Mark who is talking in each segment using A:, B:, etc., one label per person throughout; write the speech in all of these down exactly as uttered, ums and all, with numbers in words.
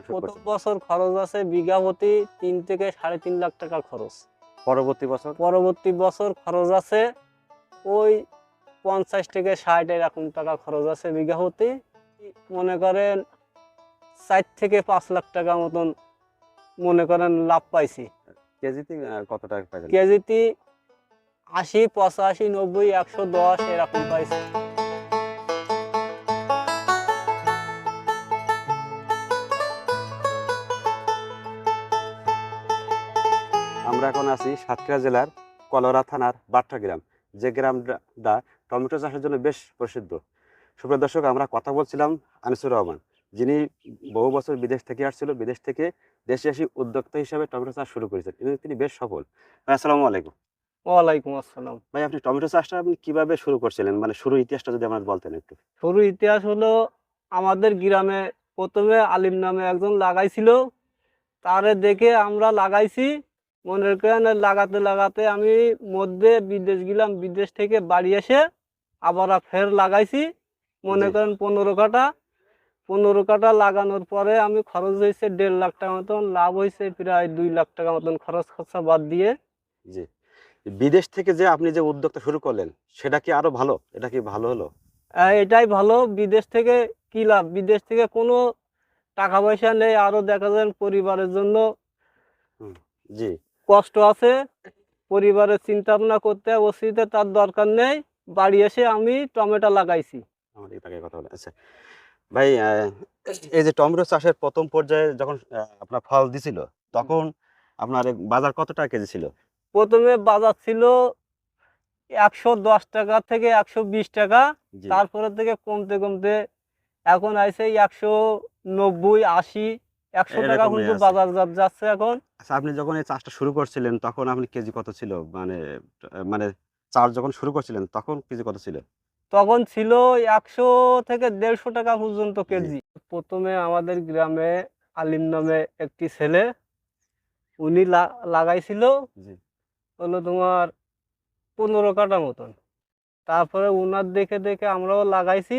A: শুরু
B: প্রথম
A: করছেন?
B: বছর খরচ আছে বিঘা প্রতি তিন থেকে সাড়ে তিন লাখ টাকা খরচ।
A: পরবর্তী বছর?
B: পরবর্তী বছর খরচ আছে ওই পঞ্চাশ থেকে ষাট এরকম টাকা খরচ আছে বিঘা প্রতি। মনে করেন চার থেকে পাঁচ লাখ টাকা মতন মনে করেন লাভ পাইছি।
A: কেজিতে আ কত টাকা পাইলেন?
B: কেজিতে আশি, পঁচাশি, নব্বই, একশো দশ এরকম পাইছি।
A: আমরা এখন আছি সাতক্ষীরা জেলার কলোরা থানার বাট্রা গ্রাম, যে গ্রামটা টমেটো চাষের জন্য বেশ প্রসিদ্ধ। সুপ্রিয় দর্শক, আমরা কথা বলছিলাম আনিসুর রহমান, যিনি বহু বছর বিদেশ থেকে আসছিল, বিদেশ থেকে দেশে এসে উদ্যোক্তা হিসাবে টমেটো চাষ শুরু করেছেন এবং তিনি বেশ সফল। ভাই আসসালামু আলাইকুম।
B: ওয়ালাইকুম আসসালাম।
A: ভাই, আপনি টমেটো চাষটা আপনি কিভাবে শুরু করছিলেন, মানে শুরু ইতিহাসটা যদি আমাদের বলতেন একটু।
B: শুরু ইতিহাস হলো আমাদের গ্রামে প্রথমে আলিম নামে একজন লাগাইছিল, তারে দেখে আমরা লাগাইছি। মনে করেন লাগাতে লাগাতে আমি মধ্যে বিদেশ গেলাম, বিদেশ থেকে বাড়ি এসে আবার ফের লাগাইছি। মনে
A: জি
B: করেন পনেরো কাঠা পনেরো কাঠা লাগানোর পরে আমি খরচ হয়েছে দেড় লাখ টাকা মতন, লাভ হয়েছে প্রায় দুই লাখ টাকা মতন খরচ খরচা বাদ দিয়ে।
A: জি বিদেশ থেকে যে আপনি যে উদ্যোগটা শুরু করলেন, সেটা কি আরো ভালো? এটা কি ভালো হলো?
B: আহ, এটাই ভালো। বিদেশ থেকে কি লাভ? বিদেশ থেকে কোনো টাকা পয়সা নেই, আরো দেখা যায় পরিবারের জন্য
A: হুম, জি
B: কষ্ট আছে, পরিবারের চিন্তা ভাবনা করতে অসুবিধা তার দরকার নেই। বাড়ি এসে আমি টমেটো লাগাইছি।
A: আমার এই টাকায় কথা বলে। আচ্ছা ভাই, আহ, এই যে টমেটো চাষের প্রথম পর্যায়ে যখন আহ, আপনার ফল দিছিল, তখন আপনার এ বাজার কত টাকা কেজি ছিল?
B: প্রথমে বাজার ছিল একশো দশ টাকা থেকে একশো বিশ টাকা,
A: জি
B: তারপরে থেকে কমতে কমতে এখন আইছে একশো নব্বই, আশি, একশো টাকা
A: এরকমই
B: কিন্তু
A: আছে।
B: বাজার যা- যাচ্ছে এখন।
A: আচ্ছা, আপনি যখন এই চাষটা শুরু করছিলেন তখন আপনি কেজি কত ছিল, মানে আহ, মানে চাষ যখন শুরু করছিলেন তখন কেজি কত ছিল?
B: তখন ছিল একশো থেকে দেড়শো টাকা পর্যন্ত
A: জি
B: কেজি। প্রথমে আমাদের গ্রামে আলিম নামে একটি ছেলে, উনি লা- লাগাইছিল
A: জি
B: হলো তোমার পনেরো কাঠা মতন। তারপরে উনার দেখে দেখে আমরাও লাগাইছি।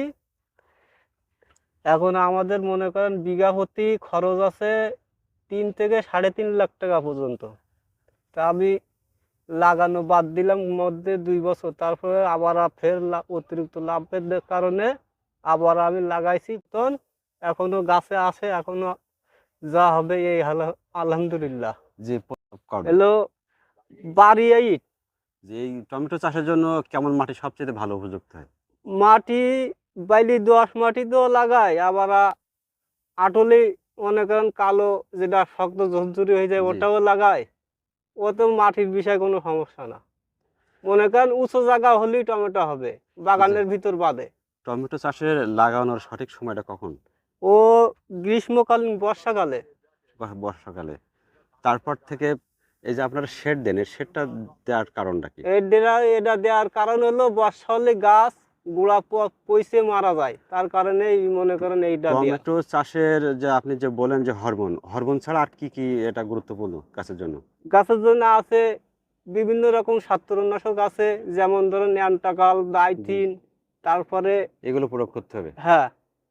B: এখন আমাদের মনে করেন বিঘা প্রতি খরচ আছে তিন থেকে সাড়ে তিন লাখ টাকা পর্যন্ত। তা আমি লাগানো বাদ দিলাম মধ্যে দুই বছর, তারপরে আবার আ- ফের লা- অতিরিক্ত লাভের দে- কারণে আবার আমি লাগাইছি। তখন এখনো গাছে আছে, এখনো যা হবে এই হাল- আলহামদুলিল্লাহ।
A: জি প- করবেন।
B: এলো বাড়ি এই
A: যে এই টমেটো চাষের জন্য কেমন মাটি সবচেয়ে ভালো উপযুক্ত হয়?
B: মাটি, বাইলি দোআঁশ মাটি তো লাগাই, আবার আ- আটলি মনে করেন কালো যেটা শক্ত ঝুরঝুরি হয়ে যায়
A: জি
B: ওটাও লাগাই। ও তো মাটির বিষয়ে কোনো সমস্যা না। মনে করেন উঁচু জায়গা হলেই টমেটো হবে,
A: জি
B: বাগানের ভিতর বাদে।
A: টমেটো চাষের লাগানোর সঠিক সময়টা কখন?
B: ও গ্রীষ্মকালীন বর্ষাকালে।
A: ব- বর্ষাকালে। তারপর থেকে এই যে আপনারা শেড দেন, এই শেডটা দেওয়ার কারণটা কি?
B: এই ডেরা এটা দেওয়ার কারণ হলো বর্ষা হলে গাছ গোড়া প- পচে মারা যায়, তার কারণে এই মনে করেন এইটা দেয়া।
A: টমেটো চাষের যে আপনি যে বলেন যে হরমোন, হরমোন ছাড়া আর কি কি এটা গুরুত্বপূর্ণ গাছের জন্য?
B: গাছের জন্য আছে বিভিন্ন রকম ছত্রাকনাশক আছে, যেমন ধরেন অ্যান্টাকাল,
A: জি
B: ডাইথিন, তারপরে
A: এগুলো প্রয়োগ করতে হবে।
B: হ্যাঁ,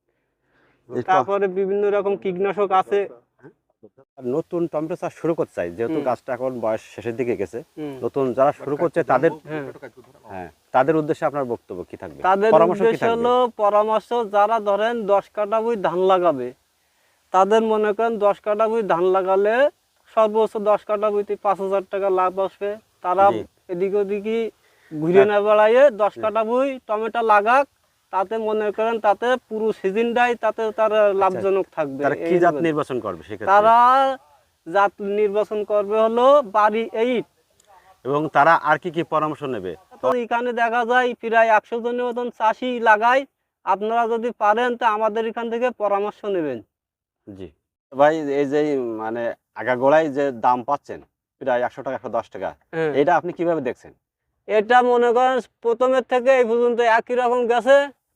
A: এই ট-
B: তারপরে বিভিন্ন রকম কীটনাশক আছে।
A: আর নতুন টমেটো চাষ শুরু করতে চাই, যেহেতু
B: হুম
A: গাছটা এখন বয়স শেষের দিকে গেছে,
B: হুম
A: নতুন যারা শুরু করছে তাদের,
B: হ্যাঁ,
A: হ্যাঁ তাদের উদ্দেশ্যে আপনার বক্তব্য কি থাকবে,
B: তাদের
A: পরামর্শ কি
B: উদ্দেশ্য
A: থাকবে?
B: হলো পরামর্শ, যারা ধরেন দশ কাঠা বই ধান লাগাবে, তাদের মনে করেন দশ কাঠা বই ধান লাগালে সর্বোচ্চ দশ কাঠা বইতে পাঁচ হাজার টাকা লাভ আসবে। তারা
A: জি
B: এদিক ওদিকে ঘুরে না বেড়াইয়ে দশ কাঠা বই টমেটো লাগাক, তাতে মনে করেন তাতে পুরো সিজনটাই তাতে তার লাভজনক থাকবে।
A: তারা কি
B: এই
A: জাত
B: হবে।
A: নির্বাচন করবে সেক্ষেত্রে?
B: তারা জাত নির্বাচন করবে হলো বাড়ি এইট।
A: এবং তারা আর কি কি পরামর্শ নেবে?
B: তো এখানে দেখা যায় প্রায় একশো জনের মতন চাষি লাগায়। আপনারা যদি পারেন তা আমাদের এখান থেকে পরামর্শ নেবেন।
A: জি ভাই, এই যে মানে আগাগোড়ায় যে দাম পাচ্ছেন প্রায় একশো টাকা, একশো দশ টাকা,
B: হ্যাঁ,
A: এটা আপনি কিভাবে দেখছেন?
B: এটা মনে করেন প্রথমের থেকে এই পর্যন্ত একই রকম গেছে,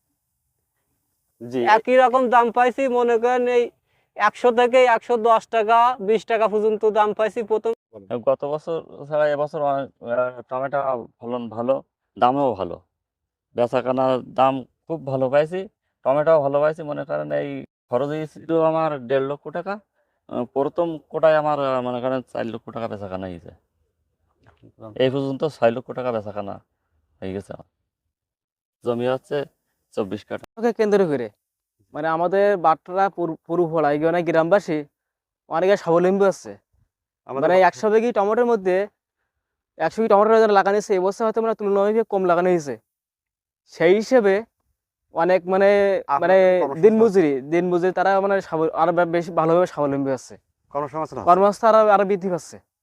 A: জি
B: একই রকম দাম পাইছি। মনে করেন এই একশো থেকে একশো দশ টাকা, বিশ টাকা পর্যন্ত দাম পাইছি প্রথম।
C: গত বছর ছাড়া এবছর অনেক আহ, টমেটো ফলন ভালো, দামও ভালো, বেচাকেনার দাম খুব ভালো পাইছি, টমেটোও ভালো পাইছি। মনে করেন এই খরচ হয়েছিল আমার দেড় লক্ষ টাকা, আহ, প্রথম কোটায় আমার আহ, মনে করেন চার লক্ষ টাকা বেচা কেনা হয়েছে। এই পর্যন্ত ছয় লক্ষ টাকা বেচা কেনা হয়ে গেছে আমার। জমি হচ্ছে চব্বিশ কাঠা।
D: কে কেন্দ্র করে মানে আমাদের বাট্টারা পুরু ফলা এখানে গ্রামবাসী অনেকে স্বাবলম্বী হচ্ছে।
A: আমাদের
D: মানে
A: বা-
D: একশো বিঘি টমেটোর মধ্যে একশো বিঘি টমেটো যারা লাগানো হয়েছে এবছর হয়তো মানে তুলনামূলক কম লাগানো হয়েছে। সেই হিসেবে অনেক মানে মানে
A: আপনাদের কর্মসংস্থান
D: দিন মজুরি দিন মজুরি তারা মানে স্বাবল- আরো বেশি ভালোভাবে স্বাবলম্বী হচ্ছে,
A: কর্মসংস্থান আছে।
D: কর্মস্থ আরো আরো বৃদ্ধি পাচ্ছে।